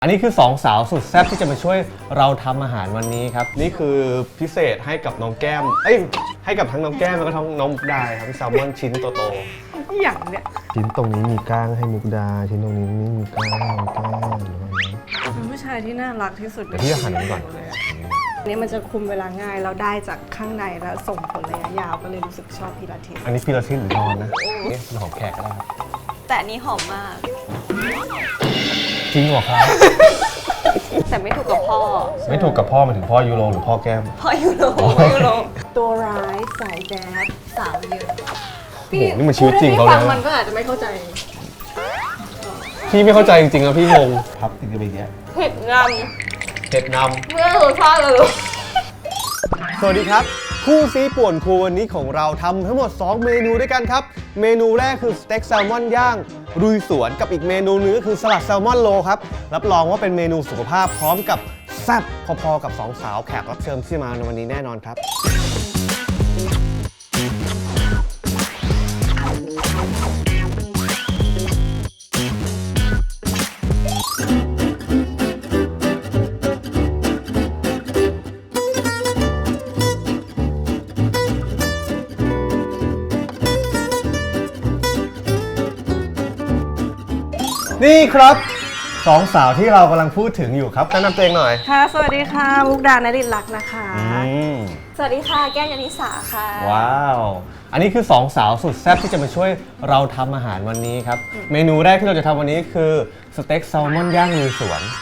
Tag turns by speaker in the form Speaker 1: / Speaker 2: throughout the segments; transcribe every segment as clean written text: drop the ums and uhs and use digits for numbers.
Speaker 1: อันนี้คือ2สาวสุดแซ่บที่จะมาช่วยเราทำอาหารวันนี้ครับนี่คือพิเศษให้กับน้องแก้มให้กับทั้งน้องแก้มแล้วก็ทั้งน้องมุกดาทั้งแซลมอนชิ้นโต
Speaker 2: ๆอย่างเนี้ย
Speaker 1: ชิ้นตรงนี้มีก้างให้มุกดาชิ้นตรงนี้ไม่มีก้างแก้ม
Speaker 2: เป็นผู้ชายที่น่ารักที่สุด
Speaker 1: เดี๋ยวพี่จะหั่นมันก่อน
Speaker 2: อันนี้มันจะคุมเวลาง่ายเราได้จากข้างในแล้วส่งผลระยะยาวก็เลยรู้สึกชอบพิลาทิส
Speaker 1: อันนี้พิลาทิสหรือนอนนะนี่เป็นของแขกก็ได้
Speaker 3: แต่อันนี้หอมมาก
Speaker 1: จริงเหรอครับ
Speaker 3: แต่ไม่ถูกกับพ่อ
Speaker 1: ไม่ถูกกับพ่อมาถึงพ่อยูโรหรือพ่อแก้ม
Speaker 3: พ่อยูโร
Speaker 2: ตัวร้ายสายแจ๊ส
Speaker 3: สาวเยอะ
Speaker 1: โอ้โหนี่มันชีวิตจริงเขาเลย
Speaker 2: มันก็อาจจะไม่เข้าใจ
Speaker 1: พี่ไม่เข้าใจจริงๆนะพี่งงพับติดกันไปแยะ
Speaker 3: เผ็ดน
Speaker 1: ำ
Speaker 3: เมื่อรสชาติเลย
Speaker 1: สวัสดีครับคู่ซีป่วนครัววันนี้ของเราทำทั้งหมด2เมนูด้วยกันครับเมนูแรกคือสเต็กแซลมอนย่างลุยสวนกับอีกเมนูนึงก็คือสลัดแซลมอนโลครับรับรองว่าเป็นเมนูสุขภาพพร้อมกับแซ่บพอๆกับ2สาวแขกรับเชิญที่มาในวันนี้แน่นอนครับนี่ครับ2สาวที่เรากำลังพูดถึงอยู่ครับแนะนำตัวเองหน่อย
Speaker 2: ค่ะสวัสดีค่ะมุกดานฤทธิ์ลักษณ์นะคะ
Speaker 3: สวัสดีค่ะแก้มยานิสาค่ะ
Speaker 1: ว้าวอันนี้คือ2สาวสุดแซ่บที่จะมาช่วยเราทำอาหารวันนี้ครับเมนูแรกที่เราจะทำวันนี้คือสเต็กแซลมอนย่างลุยสวน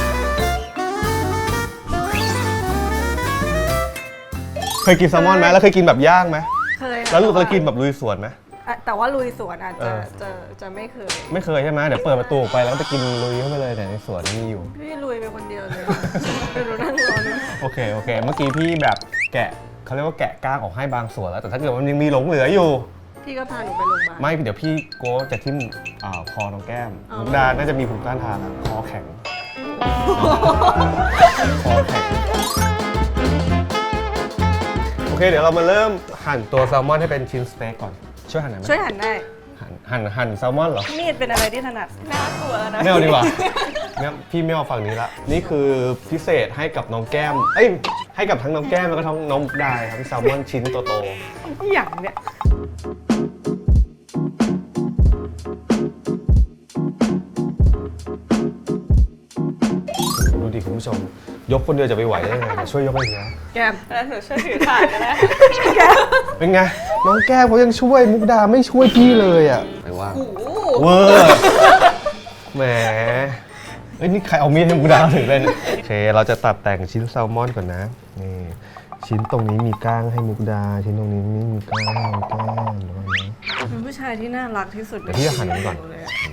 Speaker 1: เคยกินแซลมอนไหมแล้วเคยกินแบบย่างไหม
Speaker 2: เคย
Speaker 1: แล้วเคยกินแบบลุยสวนไหม
Speaker 2: แต่ว่าลุยสวนอาจจะไม่เคย
Speaker 1: ใช่ไหมเดี๋ยวเปิดประตูไปแล้วจะกินลุยเข้าไปเลยแต่ในสวนมีอยู่
Speaker 2: พี่ลุยไปคนเดียวเลยไปดูนั่งรอนะ
Speaker 1: โอเคเมื่อกี้พี่แบบแกะเขาเรียกว่าแกะก้างออกให้บางส่วนแล้วแต่ถ้าเกิดมันยังมีหลงเหลืออยู่
Speaker 2: พี่ก็พาหนูไปโรงพยาบาล
Speaker 1: ไม่เดี๋ยวพี่โก้จะทิ่มคอน้องแก้มมุกดาน่าจะมีภูมิต้านทานคอแข็งโอเคเดี๋ยวเรามาเริ่มหั่นตัวแซลมอนให้เป็นชิ้นสเต็กก่อนช่วยหั่นหน่อยไหม
Speaker 2: ช่วยหั่นได้
Speaker 1: หั่นแซลมอนเหรอ
Speaker 2: มีดเป็นอะไรที่ถนัด
Speaker 3: น่ากลัวนะ
Speaker 1: ไม่เอาดีกว่าเนี่ยพี่ไม่เอาฝั่งนี้ละนี่คือพิเศษให้กับน้องแก้มให้กับทั้งน้องแก้มแล้วก็ทั้งน้องมุกดาทั้งแซลมอนชิ้นโต
Speaker 2: ๆอย่างเนี้ย
Speaker 1: ดูดิคุณผู้ชมยกคนเดียวจะไปไหวได้ไงช่วยยกให้เนะ
Speaker 2: แก้ม
Speaker 3: แล้วหนูช่วยถือถาดกันนะ
Speaker 1: เป็นไงน้องแก้มเขายังช่วยมุกดาไม่ช่วยพี่เลยอ่ะไม่ว่าเวอร์แหมนี่ใครเอามีดให้มุกดาถึงเลยเนี่ยโอเคเราจะตัดแต่งชิ้นแซลมอนก่อนนะนี่ชิ้นตรงนี้มีก้างให้มุกดาชิ้นตรงนี้ไม่มีก้างแก้ม
Speaker 2: เป็นผู้ชายที่น่ารักที่สุด
Speaker 1: เดี๋ยวพี่จะหั่นมันก่อน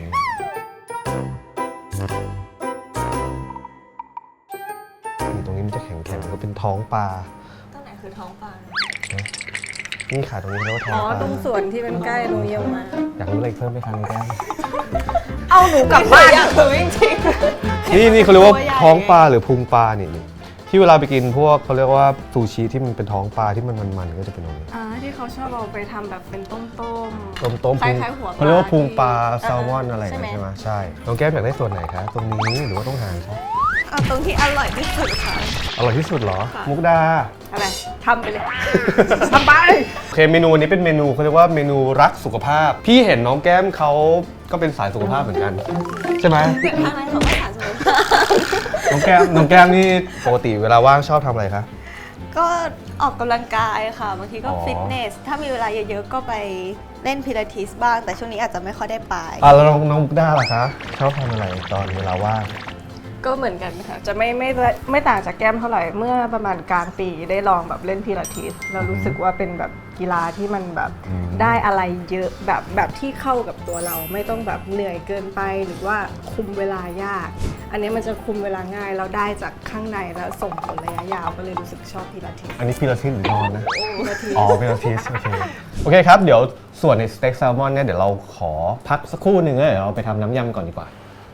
Speaker 1: ตรงนี้มันจะแข็งๆก็เป็นท้องปลา
Speaker 3: ตรงไหนคือท้องปลา
Speaker 1: นี่ขาตรงนี้เรียกว่าท้องปลา
Speaker 2: ตรงส่วนที่เป็นใกล้โรงเยี่ยมมา
Speaker 1: อยากรู้อะไรเพิ่มไหมคะน้องแก้ม
Speaker 2: เอาหนูกลับบ้าน
Speaker 3: อยากรู้จริง
Speaker 1: ๆนี่เขาเรียกว่าท้องปลาหรือพุงปลานี่ที่เวลาไปกินพวกเขาเรียกว่าซูชิที่มันเป็นท้องปลาที่มันก็จะเป็นตรงนี้
Speaker 2: ที่เขาชอบเอาไปทำแบบเป็นต้
Speaker 1: มคล้ายๆหัวเขาเรียกว่าพุงปลาแซลมอนอะไรใช่ไหมใช่น้องแก้มอยากได้ส่วนไหนคะตรงนี้หรือว่าต้องหางครับ
Speaker 3: เอาตรงที่อร่อยที่สุดค่ะ
Speaker 1: อร่อยที่สุดเหรอมุกดา
Speaker 2: อะไรทำไปเลยทำไป
Speaker 1: โอเคเมนูนี้เป็นเมนูเขาเรียกว่าเมนูรักสุขภาพพี่เห็นน้องแก้มเขาก็เป็นสายสุขภาพเหมือนกันใช่ไหม
Speaker 3: ทางนั้นเขาก็สายสุขภาพ
Speaker 1: น้องแก้มนี่ปกติเวลาว่างชอบทำอะไรคะ
Speaker 3: ก็ออกกำลังกายค่ะบางทีก็ฟิตเนสถ้ามีเวลาเยอะๆก็ไปเล่นพิลาทิสบ้างแต่ช่วงนี้อาจจะไม่ค่อยได้ไป
Speaker 1: แล้วน้องมุกดาล่ะคะชอบทำอะไรตอนเวลาว่าง
Speaker 2: ก็เหมือนกันค่ะจะไม่ต่างจากแก้มเท่าไหร่เมื่อประมาณกลางปีได้ลองแบบเล่นพิลาทิสเรารู้สึกว่าเป็นแบบกีฬาที่มันแบบได้อะไรเยอะแบบที่เข้ากับตัวเราไม่ต้องแบบเหนื่อยเกินไปหรือว่าคุมเวลายากอันนี้มันจะคุมเวลาง่ายเราได้จากข้างในแล้วส่งผลระยะยาวก็เลยรู้สึกชอบพิลาทิส
Speaker 1: อันนี้พิลาทิสหรือนอนนะพิลาทิสโอเคครับเดี๋ยวส่วนในสเต็กแซลมอนเนี่ยเดี๋ยวเราขอพักสักครู่หนึ่งเดี๋ยวเราไปทำน้ำยำก่อนดีกว่า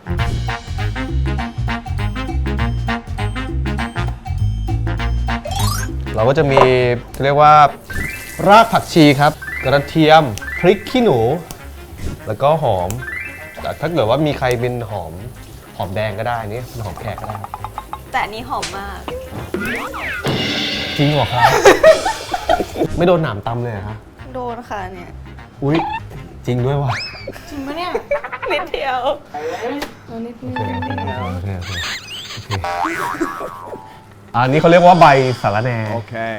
Speaker 1: เราก็จะมีเรียกว่ารากผักชีครับกระเทียมพริกขี้หนูแล้วก็หอมแต่ถ้าเกิดว่ามีใครเป็นหอมอมแดงก็ได้นี่หอมแขกก็ได้
Speaker 3: แต่อันนี้หอมมาก
Speaker 1: จริงเหรอครับ ไม่โดนหนามตำเลยเหรอคะ
Speaker 3: โดนค่ะเนี่ย
Speaker 1: อุ๊ยจริงด้วยว่ะ
Speaker 2: จริงปะเนี่ย
Speaker 3: นิดเดียว
Speaker 2: เอานิดนึง
Speaker 1: โอเคอันนี้เขาเรียกว่าใบสาระแหน่
Speaker 4: Okay.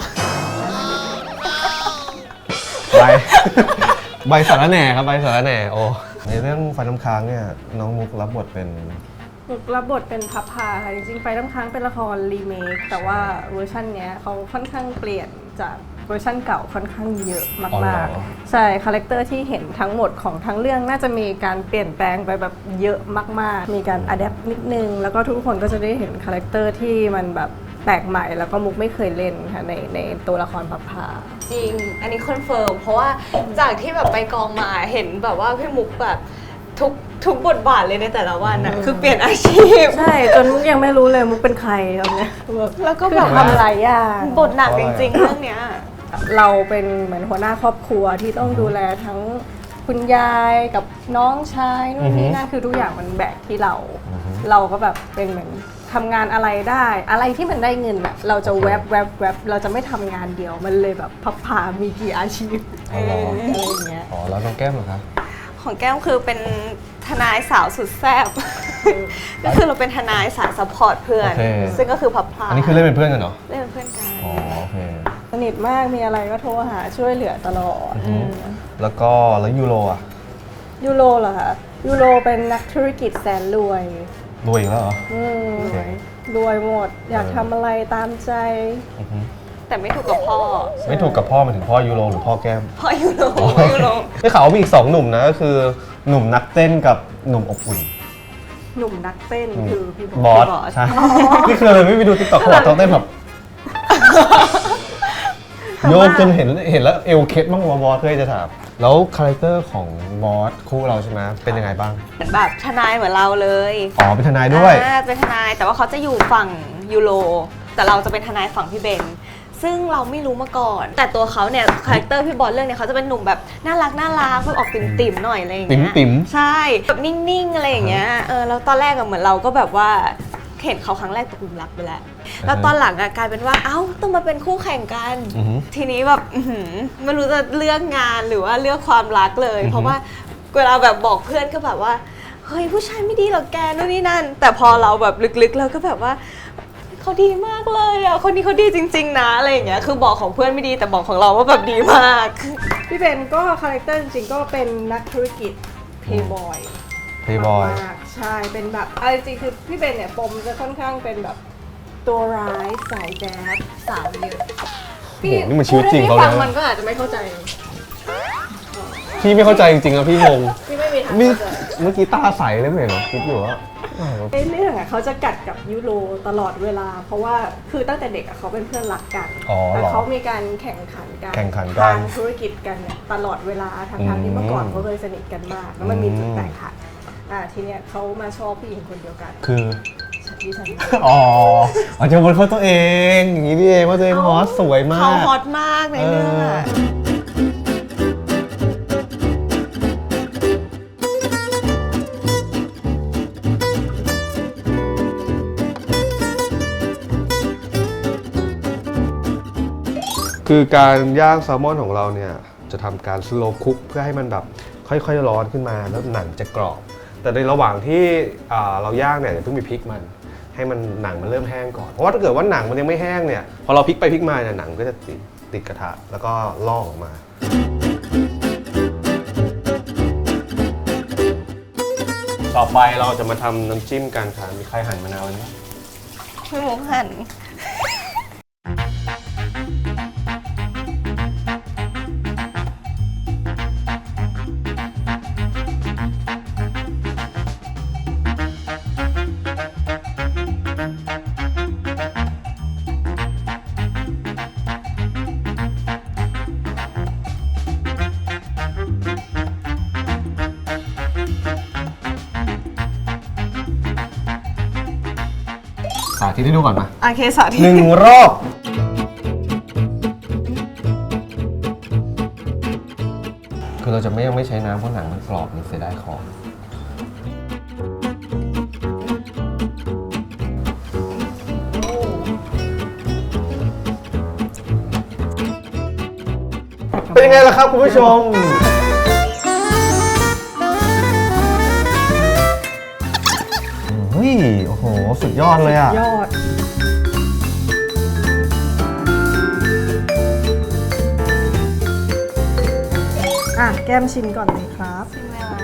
Speaker 1: ใบ ใบสาระแหน่ครับใบสาระแหน่โอ้ในเรื่องไฟน้ำค้างเนี่ยน้องมุกรับบทเป็น
Speaker 2: มุกรับบทเป็นพับพาค่ะจริงๆไฟน้ำค้างเป็นละครรีเมคแต่ว่าเวอร์ชันเนี้ยเขาค่อนข้างเปลี่ยนจากเวอร์ชันเก่าค่อนข้างเยอะ
Speaker 1: อ๋อเหร
Speaker 2: มาก
Speaker 1: อ
Speaker 2: ๆใช่คาแรคเตอร์ที่เห็นทั้งหมดของทั้งเรื่องน่าจะมีการเปลี่ยนแปลงไปแบบเยอะมากๆ มีการอัดแอปนิดนึงแล้วก็ทุกคนก็จะได้เห็นคาแรคเตอร์ที่มันแบบแปลกใหม่แล้วก็มุกไม่เคยเล่นค่ะในตัวละครพับพา
Speaker 3: จริง อันนี้คอนเฟิร์มเพราะว่าจากที่แบบไปกองมาเห็นแบบว่าพี่มุกแบบทุกบทบาทเลยในแต่ละวันน่ะคือเปลี่ยนอาชีพ
Speaker 2: ใช่จนมุกยังไม่รู้เลยมุกเป็นใครตอนเนี้ย
Speaker 3: แล้วก็
Speaker 2: คือ
Speaker 3: แบบ
Speaker 2: ทำหลายอย่าง
Speaker 3: บทหนักจริงๆเรื่องเนี้ย
Speaker 2: เราเป็นเหมือนหัวหน้าครอบครัวที่ต้องดูแลทั้งคุณยายกับน้องชายนู่นนี่นั่นคือทุกอย่างมันแบกที่เรา เราก็แบบเป็นเหมือนทำงานอะไรได้ อะไรที่มันได้เงินอะเราจะแวบเราจะไม่ทำงานเดียวมันเลยแบบพับพามีกี่อาชีพ
Speaker 1: อ๋อเหรอ
Speaker 2: อะไรอย่างเงี้ย
Speaker 1: อ๋อแล้วน้องแก้มเหรอครับ
Speaker 3: ของแก้มคือเป็นทนายสาวสุดแซ่บ ก็คือเราเป็นทนายสายซัพพอร์ตเพื่อน
Speaker 1: โอเค
Speaker 3: ซึ่งก็คือพับพลา
Speaker 1: อันนี้คือเล่นเป็นเพื่อนกันเหรอ
Speaker 3: เล่นเป็นเพื่อนกัน
Speaker 1: อ๋อโอเค
Speaker 2: สนิทมากมีอะไรก็โทรหาช่วยเหลือตลอด
Speaker 1: แล้วก็แล้วยูโรอ่ะ
Speaker 2: ยูโรเหรอคะยูโรเป็นนักธุรกิจแสนรวย
Speaker 1: รวยอีกแล้วเหรอ
Speaker 2: โรวยหมด อยากทำอะไรตามใจ
Speaker 3: แต่ไม่ถูกกับพ่อ
Speaker 1: ไม่ถูกกับพ่อหมายถึงพ่อยูโรหรือพ่อแก้ม
Speaker 3: พ่อยูโรยูโร
Speaker 1: ได้ข่าวว่ามีอีก2หนุ่มนะก็คือหนุ่มนักเต้นกับหนุ่มอบอุ่น
Speaker 2: หนุ่มนักเต้นคือพี่
Speaker 1: บอสใช่นี่คือเลยไม่ไปดูติ๊กต็อกเขาบอกเขาเต้นแบบโยกจนเห็นแล้วเอวเคล็ดบ้างวะบอสเคยจะถามแล้วคาแรคเตอร์ของบอสคู่เราใช่ไหมเป็นยังไงบ้าง
Speaker 3: เหมือนแบบทนายเหมือนเราเลย
Speaker 1: อ๋อเป็นทนายด้วย
Speaker 3: เป็นทนายแต่ว่าเขาจะอยู่ฝั่งยูโรแต่เราจะเป็นทนายฝั่งพี่เบนซึ่งเราไม่รู้มาก่อน แต่ตัวเขาเนี่ยคาแรคเตอร์พี่บอลเรื่องเนี่ยเขาจะเป็นหนุ่มแบบน่ารักแบบออกติ่มๆหน่อยอะไรอย่างเงี้ย
Speaker 1: ติ๋ม
Speaker 3: ใช่แบบนิ่งๆอะไรอย่างเงี้ยแล้วตอนแรกอะเหมือนเราก็แบบว่าเห็นเขาครั้งแรกตกหลุมรักไปแล้วแล้วตอนหลังอะกลายเป็นว่าเอ้าต้องมาเป็นคู่แข่งกัน ทีนี้แบบไม่รู้จะเลือกงานหรือว่าเลือกความรักเลย เพราะว่าเวลาแบบบอกเพื่อนก็แบบว่าเฮ้ยผู้ชายไม่ดีหรอกแกนู่นนี่นั่นแต่พอเราแบบลึกๆเราก็แบบว่าเขาดีมากเลยอ่ะคนนี้เขาดีจริงๆนะอะไรอย่างเงี้ยคือบอกของเพื่อนไม่ดีแต่บอกของเราว่าแบบดีมาก
Speaker 2: พี่เบนก็คาแรคเตอร์จริงๆก็เป็นนักธุรกิจเพย์บอย
Speaker 1: เพย์บอย
Speaker 2: ใช่เป็นแบบเอาจริงๆคือพี่เบนเนี่ยปมจะค่อนข้างเป็นแบบตัวร้ายสายแจ๊สสาวเยอะ
Speaker 1: โอ้โหนี่มันชีวิตจริงเขา
Speaker 2: พูด
Speaker 1: เลย
Speaker 2: ให้ฟังมันก็อาจจะไม่เข้าใจ
Speaker 1: พี่ไม่เข้าใจจริงๆอะพี่งง
Speaker 2: พี่ไม่มีทาง
Speaker 1: นี่
Speaker 2: เข้าใจ
Speaker 1: เมื่อกี้ตาใสเลยไม่เห็นเหรอคิดอยู่ว่า
Speaker 2: ในเรื่องอะเขาจะกัดกับยูโรตลอดเวลา เพราะว่าคือตั้งแต่เด็กอะเขาเป็นเพื่อนรักกัน
Speaker 1: อ๋อเหรอ
Speaker 2: แต่เขามีการแข่งขันกัน
Speaker 1: แข่งขันกัน
Speaker 2: ทางธุรกิจกันเนี่ยตลอดเวลาทั้งๆที่เมื่อก่อนเขาเคยสนิทกันมากแล้วมันมีจุดแตกหักทีเนี้ยเขามาชอบผู้หญิงคนเดียวกัน
Speaker 1: คือ
Speaker 2: ที่ฉัน
Speaker 1: อ๋ออาจจะบนเขาตัวเองอย่างนี้นี่เองว่าตัวเองฮอตสวยมา
Speaker 3: เขา
Speaker 1: ก
Speaker 3: ฮอตมากในเรื่องอะ
Speaker 1: คือการย่างแซลมอนของเราเนี่ยจะทำการสโลว์คุกเพื่อให้มันแบบค่อยๆร้อนขึ้นมาแล้วหนังจะกรอบ แต่ในระหว่างที่เราย่างเนี่ยอย่าเพิ่งไปพลิกมันให้มันหนังมันเริ่มแห้งก่อนเพราะว่าถ้าเกิดว่าหนังมันยังไม่แห้งเนี่ยพอเราพลิกไปพลิกมาเนี่ยหนังก็จะติดกระทะแล้วก็ลอกออกมาต่อไปเราจะมาทำน้ำจิ้มกันค่ะมีใครหั่นมะนาวไหม
Speaker 3: พี่มุกหัน
Speaker 1: สาธิตให้ดูก่อนมา
Speaker 3: โอเคสาธิต
Speaker 1: 1 รอบ คือเราจะไม่ใช้น้ำเพราะหนังมันกรอบมันเสียดายของยังไงล่ะครับคุณผู้ชมเฮ้ยโอ้โหสุดยอดเลยอ่ะ
Speaker 2: ยอดแก้มชิมก่อนเลยครับ
Speaker 3: ใช่ไหมคะ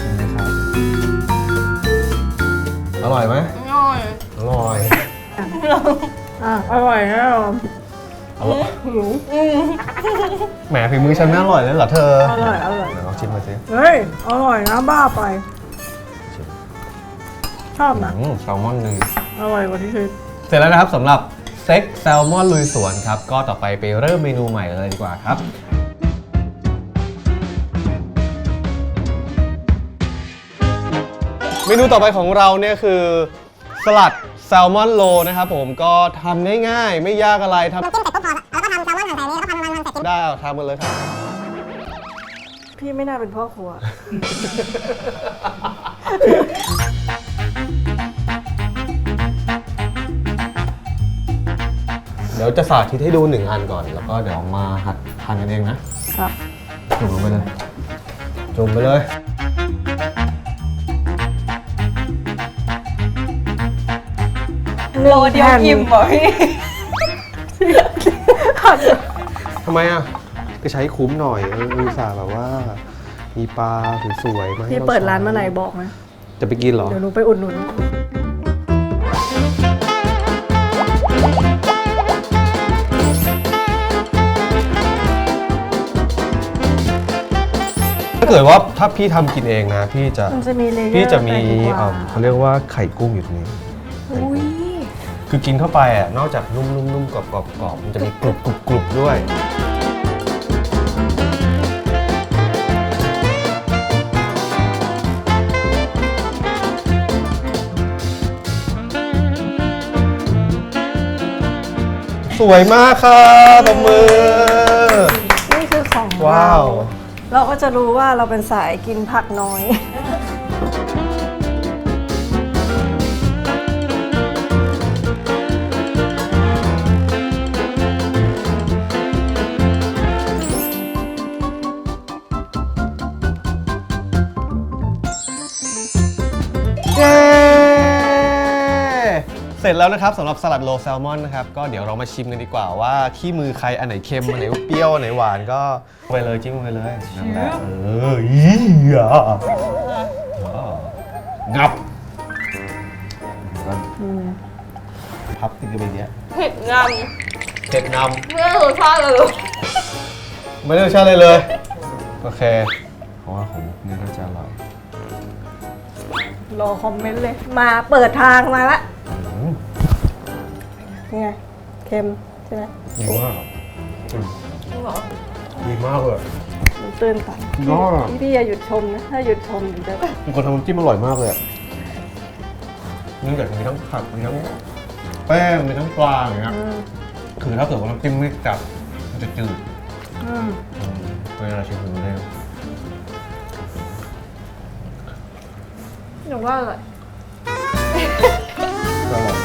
Speaker 1: อร่อยไหม
Speaker 3: อร่อย
Speaker 1: อร่อย
Speaker 2: อร่อยแน่นอน
Speaker 1: อร่อยแหมฝีมือฉันไม่อร่อยเลยเหรอเธอ
Speaker 2: อร่อย
Speaker 1: เดี๋ยวลองชิมมาสิ
Speaker 2: เฮ้ยอร่อยนะบ้าไป ชอบนะ
Speaker 1: แซลมอนหนึ่ง
Speaker 2: อร่อยกว่าที่คิด
Speaker 1: เสร็จแล้วนะครับสำหรับสเต็กแซลมอนลุยสวนครับก็ต่อไปเริ่มเมนูใหม่เลยดีกว่าครับเมนูต่อไปของเราเนี่ยคือสลัดแซลมอนโรลนะครับผมก็ทำง่ายๆไม่ยากอะไรทำ
Speaker 4: จิ้มเสร็จปุ๊บพอแล้วก็ทำแซลมอนหั่นใส่นี้แล้วก็พันเสร็จ
Speaker 1: ได้เอาทำกันเลยครับ
Speaker 2: พี่ไม่น่าเป็นพ่อครัว
Speaker 1: เดี๋ยวจะสาธิตให้ดู1 อันก่อนแล้วก็เดี๋ยวมาหัดทานกันเองนะครับ จุ่มลงไปเลยจุ่มไปเลย
Speaker 3: โลเดียวอิ่มเหรอพี่
Speaker 1: ทำไมอ่ะก็ใช้คุ้มหน่อยอุตส่าห์แบบว่า มีปลาสวยๆมาให้
Speaker 2: พี่
Speaker 1: เรา
Speaker 2: เปิดร้านเมื่อไหร่บอกนะ
Speaker 1: จะไปกินเหรอ
Speaker 2: เดี๋ยวหนูไปอุดหนุน
Speaker 1: ถ้าเกิดว่าถ้าพี่ทำกินเองนะ พี่จะ
Speaker 2: มันจะมีเลเยอร์
Speaker 1: พี่จะมี
Speaker 2: ไปดีกว่า
Speaker 1: เขาเรียกว่าไข่กุ้งอยู่ตรงนี้
Speaker 2: อุ้ย
Speaker 1: คือกินเข้าไปอ่ะนอกจากนุ่มๆๆกรอบๆมันจะมีกรุบๆด้วย สวยมากค่ะตบมือ
Speaker 2: นี่คือของ
Speaker 1: ว้าว
Speaker 2: เราก็จะรู้ว่าเราเป็นสายกินผักน้อย
Speaker 1: เย้เสร็จแล้วนะครับสำหรับสลัดโรลแซลมอนนะครับก็เดี๋ยวเรามาชิมกันดีกว่าว่าขี้มือใครอันไหนเค็มอันไหนเปรี้ยวอันไหนหวานก็ไปเลยจิ้มไปเลยนั่นแหละอีอ่ะงับพับติดกันไปเนี้ย
Speaker 3: เผ็ดง
Speaker 1: เผ็ดน
Speaker 3: ำไม่รู้รสชาติเลย
Speaker 1: ำไม่ได้รสชาติเลยเลยโอเคเพราะว่าของนี่น่าจะอร่อย
Speaker 2: รอคอมเมนต์เลย มาเปิดทางมาละนี่ไงเค็มใช่ไหม
Speaker 1: ดีมาก
Speaker 3: จริงเหรอ
Speaker 1: ดีมากเลย
Speaker 2: มันตื่นตัน
Speaker 1: ยอด
Speaker 2: พี่อย่าหยุดชมนะ ถ้าหยุดชมเดี๋ยวจะ
Speaker 1: เป็นคนทำน้ำจิ้มอร่อยมากเลยอ่ะเนื่องจากมีทั้งผักมีทั้งแป้งมีทั้งปลาอย่างเงี้ยคือถ้าเกิดว่าน้ำจิ้มไม่จัดมันจะจืดเวลาชิมดูได้
Speaker 2: หนูว่าอร่อย
Speaker 1: ก็อร่อย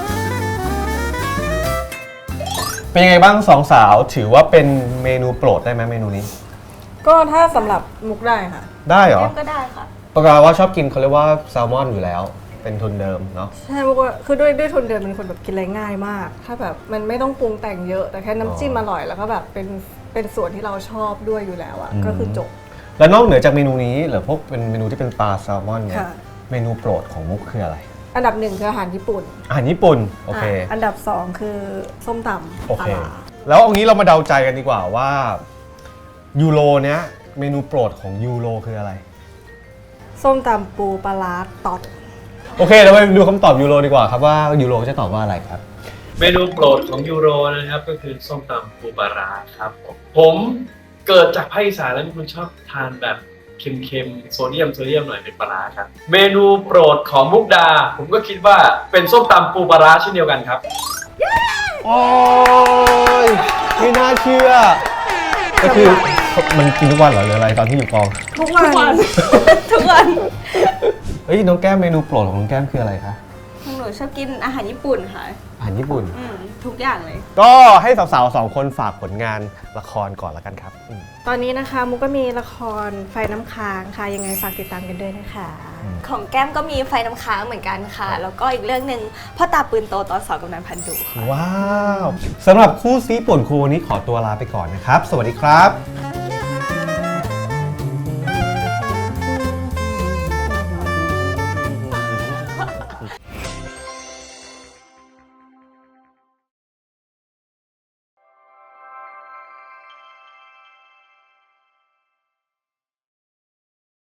Speaker 1: เป็นยังไงบ้างสองสาวถือว่าเป็นเมนูโปรดได้ไหมเมนูนี้
Speaker 2: ก็ถ้าสำหรับมุกได้ค่ะ
Speaker 1: ได้เหรอ
Speaker 3: ก็ได้ค่ะ
Speaker 1: ปกติว่าชอบกินเขาเรียกว่าแซลมอนอยู่แล้ว เป็นทุนเดิมเนาะ
Speaker 2: ใช่มุกว่าคือด้วยทุนเดิมเป็นคนแบบกินอะไรง่ายมาก ถ้าแบบมันไม่ต้องปรุงแต่งเยอะ แต่แค่น้ำจิ้มอร่อยแล้วก็แบบเป็นส่วนที่เราชอบด้วยอยู่แล้วอะก็คือจบ
Speaker 1: แล้วนอกเหนือจากเมนูนี้หรือพวกเป็นเมนูที่เป็นปลาแซลมอนเนี่ย
Speaker 2: ค่ะ
Speaker 1: เมนูโปรดของมุกคืออะไร
Speaker 2: อันดับ 1คืออาหารญี่ปุ่น
Speaker 1: อาหารญี่ปุ่นโอเค
Speaker 2: อันดับ 2 คือส้มตำ
Speaker 1: โอ
Speaker 2: ปลา
Speaker 1: เค
Speaker 2: ร้า
Speaker 1: แล้วเอางี้เรามาเดาใจกันดีกว่าว่ายูโรเนี้ยเมนูโปรดของยูโรคืออะไร
Speaker 2: ส้มตำปูปลาร้าตอด
Speaker 1: โอเคเราไปดูคำตอบยูโรดีกว่าครับว่ายูโรจะตอบว่าอะไรครับ
Speaker 5: เมนูโปรดของยูโรนะครับก็คือส้มตำปูปลาร้าครับผมเกิดจากภาคอีสานแล้วเป็นคนชอบทานแบบเค็มๆโซเดียมหน่อยเป็นปลาร้าครับเมนูโปรดของมุกดา ผมก็คิดว่าเป็นส้มตำปูปลาร้าเช่นเดียวกันครับ
Speaker 1: โอ้ยไม่น่าเชื่อ ก็คือมันกินทุกวันเหรอหรืออะไรตอนที่อยู่กอง
Speaker 2: ทุกวัน
Speaker 3: ทุกวัน
Speaker 1: เฮ้ยน้องแก้มเมนูโปรดของน้องแก้มคืออะไรคะ
Speaker 3: หนูชอบกินอาหารญี่ปุ่นค่ะ
Speaker 1: อาหารญี่ปุ่น
Speaker 3: อืมทุกอย่างเลย
Speaker 1: ก็ให้สาวๆ2 คนฝากผลงานละครก่อนละกันครับ
Speaker 2: ตอนนี้นะคะมุกก็มีละครไฟน้ำค้างค่ะยังไงฝากติดตามกันด้วยนะคะ
Speaker 3: ของแก้มก็มีไฟน้ำค้างเหมือนกันค่ะ แล้วก็อีกเรื่องหนึ่งพ่อตาปืนโตตอนสอบกำนันพันดุค่ะ
Speaker 1: ว้าวสำหรับคู่ซีป่วนครูวันนี้ขอตัวลาไปก่อนนะครับ สวัสดีครับ